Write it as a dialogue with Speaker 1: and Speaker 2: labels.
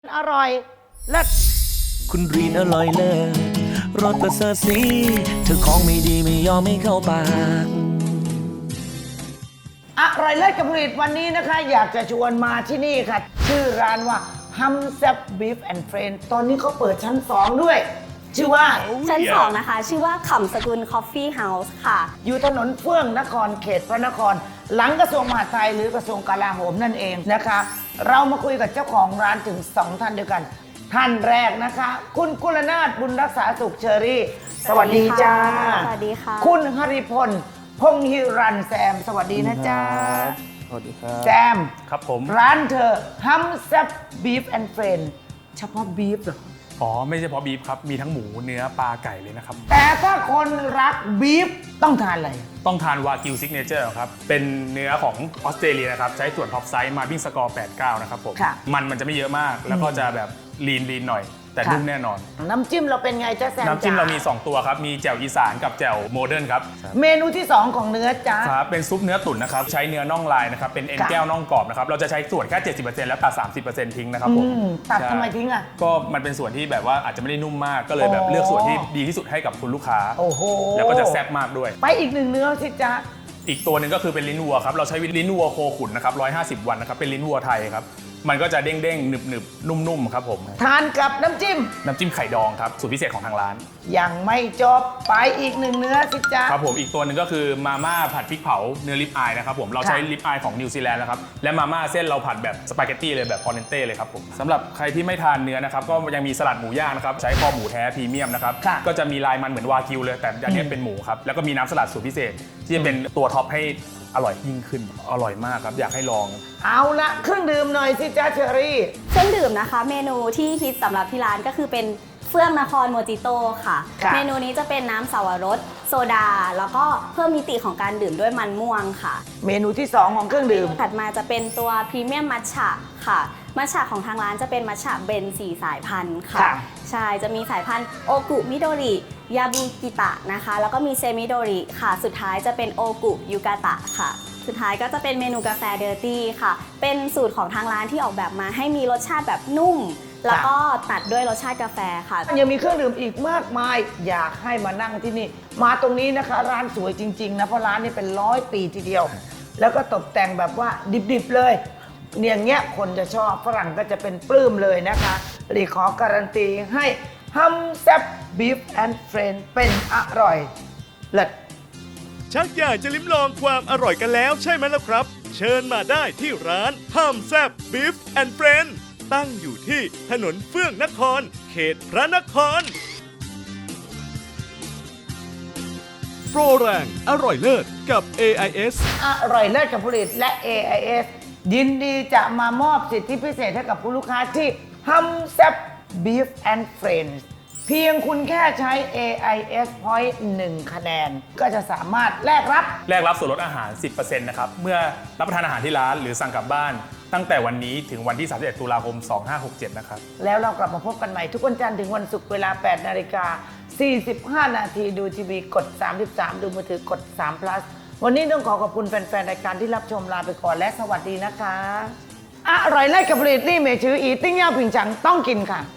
Speaker 1: อร่อยเลิศ
Speaker 2: คุณรีนอร่อยเลิศรสประเสริฐสีเธอของไม่ดีไม่ยอมไม่เข้าปาก
Speaker 1: อร่อยเลิศกับผลิตวันนี้นะคะอยากจะชวนมาที่นี่ค่ะชื่อร้านว่าฮัมแซบบีฟแอนด์เฟรนด์ตอนนี้เขาเปิดชั้น 2 ด้วย ชื่อว่า
Speaker 3: ชั้น 2 นะคะ ชื่อว่าขำสกุลคอฟฟี่เฮาส์ค่ะ
Speaker 1: อยู่ถนนเฟื่องนครเขตพระนคร หลังกระทรวงมหาดไทยหรือกระทรวงกลาโหมนั่นเองนะคะ เรามาคุยกับเจ้าของร้านถึง 2 ท่านด้วยกัน ท่านแรกนะคะ คุณกุลนาถบุญรักษาสุขเชอรี่ สวัสดีจ้า
Speaker 3: สวัสดีค่ะ
Speaker 1: คุณหริพลพงศ์ฮิรันแซม สวัสดีนะจ๊ะ
Speaker 2: สวัสดีครับ
Speaker 1: แซม
Speaker 4: ครับผม
Speaker 1: ร้านเธอฮัมแซบบีฟแอนด์เฟรนด์เฉพาะบีฟเหรอ
Speaker 4: อ๋อไม่ใช่เฉพาะบีฟครับ มีทั้งหมูเนื้อปลาไก่เลยนะครับ
Speaker 1: แต่ถ้าคนรักบีฟต้องทานอะไร
Speaker 4: ต้องทานวากิวซิกเนเจอร์ครับ เป็นเนื้อของออสเตรเลียนะครับ ใช้ส่วนท็อปไซส์มาบิ้งสกอร์ 89 นะครับผม
Speaker 1: ค่ะ
Speaker 4: มันจะไม่เยอะมาก แล้วก็จะแบบลีนหน่อย แต่
Speaker 1: ค่ะ
Speaker 4: นุ่มแน่นอน
Speaker 1: น้ำจิ้มเราเป็นไงจ๊ะแซม
Speaker 4: น้ำจิ้ม
Speaker 1: จ๊ะ
Speaker 4: เรามี 2 ตัวครับ มีแจ่วอีสานกับแจ่วโมเดิร์นครับ
Speaker 1: เมนูที่ 2 ของเนื้อจ๊ะ
Speaker 4: ครับ เป็นซุปเนื้อตุ๋นนะครับ ใช้เนื้อน่องลายนะครับ เป็นเอ็น
Speaker 1: ค่ะ
Speaker 4: แก้วน่องกรอบนะครับ เราจะใช้ส่วนแค่ 70%แล้วตัด 30%ทิ้งนะครับผม
Speaker 1: ตัด
Speaker 4: ใช่
Speaker 1: ทำไมทิ้งอ่ะ
Speaker 4: ก็มันเป็นส่วนที่แบบว่าอาจจะไม่ได้นุ่มมาก ก็เลยแบบเลือกส่วนที่ดีที่สุดให้กับคุณลูกค้า
Speaker 1: โอ้โห
Speaker 4: แล้วก็จะแซ่บมากด้วย
Speaker 1: ไปอีกหนึ่งเนื้อสิจ๊ะ
Speaker 4: อีกตัวหนึ่งก็คือเป็นลิ้นวัวครับ เราใช้ลิ้นวัวโคขุนนะครับ150 วันนะครับ เป็นลิ้นวัวไทยครับ มันก็จะเด้งๆ หนึบๆ นุ่มๆ ครับผม
Speaker 1: ทานกับน้ำจิ้ม
Speaker 4: น้ำจิ้มไข่ดองครับ สูตรพิเศษของทางร้าน
Speaker 1: ยังไม่จบไปอีกหนึ่งเนื้อสิจ๊ะ
Speaker 4: ครับผม อีกตัวหนึ่งก็คือมาม่าผัดพริกเผาเนื้อลิปอายนะครับผม เราใช้
Speaker 1: ค่ะ
Speaker 4: ลิปอายของนิวซีแลนด์นะครับ และมาม่าเส้นเราผัดแบบสปาเกตตี้เลยแบบพอเนเต้เลยครับผมสำหรับใครที่ไม่ทานเนื้อนะครับ ก็ยังมีสลัดหมูย่างนะครับ ใช้คอหมูแท้พรีเมียมนะครับ
Speaker 1: ค่ะ
Speaker 4: ก็จะมีลายมันเหมือนวากิวเลย แต่อันนี้เป็นหมูครับ แล้วก็มีน้ำสลัดสูตรพิเศษ ที่จะเป็นตัวท็อปให้อร่อยยิ่งขึ้น อร่อยมากครับ อยากให้ลอง
Speaker 1: เอาละเครื่องดื่มหน่อยสิจ๊ะเชอรี่
Speaker 3: เครื่องดื่มนะคะ เมนูที่ฮิตสำหรับที่ร้านก็คือเป็นเฟื่องนครโมจิโต้ค่ะ
Speaker 1: ค่ะ
Speaker 3: เมนูนี้จะเป็นน้ำสาวรสโซดา แล้วก็เพิ่มมิติของการดื่มด้วยมันม่วงค่ะ
Speaker 1: เมนูที่ 2 ของเครื่องดื่ม
Speaker 3: ถัดมาจะเป็นตัวพรีเมียมมัทฉะค่ะ มัทฉะของทางร้านจะเป็นมัทฉะเบน4 สายพันธุ์ค่ะ
Speaker 1: ค่ะ
Speaker 3: ใช่ จะมีสายพันธุ์โอกุมิโดริยาบุกิตะนะคะ แล้วก็มีเซมิโดริค่ะ สุดท้ายจะเป็นโอกุยูกาตะค่ะ สุดท้ายก็จะเป็นเมนูกาแฟเดอร์ตี้ค่ะ เป็นสูตรของทางร้านที่ออกแบบมาให้มีรสชาติแบบนุ่ม แล้วก็ตัดด้วยรสชาติกาแฟค่ะ
Speaker 1: ยังมีเครื่องดื่มอีกมากมาย อยากให้มานั่งที่นี่ มาตรงนี้นะคะ ร้านสวยจริงๆนะเพราะร้านนี้เป็น100 ปีทีเดียว แล้วก็ตกแต่งแบบว่าดิบๆเลยอย่างเงี้ยคนจะชอบฝรั่งก็จะเป็นปลื้มเลยนะคะหลีขอการันตีให้ฮัมแซบบีฟแอนด์เฟรนด์เป็นอร่อยเลิศ
Speaker 5: ชักอยากจะลิ้มลองความอร่อยกันแล้วใช่ไหมล่ะครับ เชิญมาได้ที่ร้านห้ามแซบบีฟแอนด์เฟรนด์ตั้งอยู่ที่ถนนเฟื่องนคร เขตพระนคร โปรแรงอร่อยเลิศกับ AIS
Speaker 1: อร่อยเลิศกับผลิตและ AIS ยินดีจะมามอบสิทธิพิเศษให้กับผู้ลูกค้าที่ฮัมแซบ Beef and Friends เพียงคุณแค่ใช้ AIS Point 1 คะแนน ก็จะสามารถแลกรับ
Speaker 4: แลกรับส่วนลดอาหาร 10% นะครับ เมื่อรับประทานอาหารที่ร้านหรือสั่งกลับบ้าน ตั้งแต่วันนี้ถึงวันที่ 31 ตุลาคม 2567 นะครับ
Speaker 1: แล้วเรากลับมาพบกันใหม่ทุกวันจันทร์ถึงวันศุกร์เวลา 8 นาฬิกา 45 นาทีดูทีวีกด 33 ดูมือถือกด3 plus วันนี้ต้องขอบคุณแฟนๆ รายการที่รับชมลาไปก่อนและสวัสดีนะคะ อร่อยเลิศกับผลิตนี่เมชืออีติ้งเย่าผิงฉังต้องกินค่ะ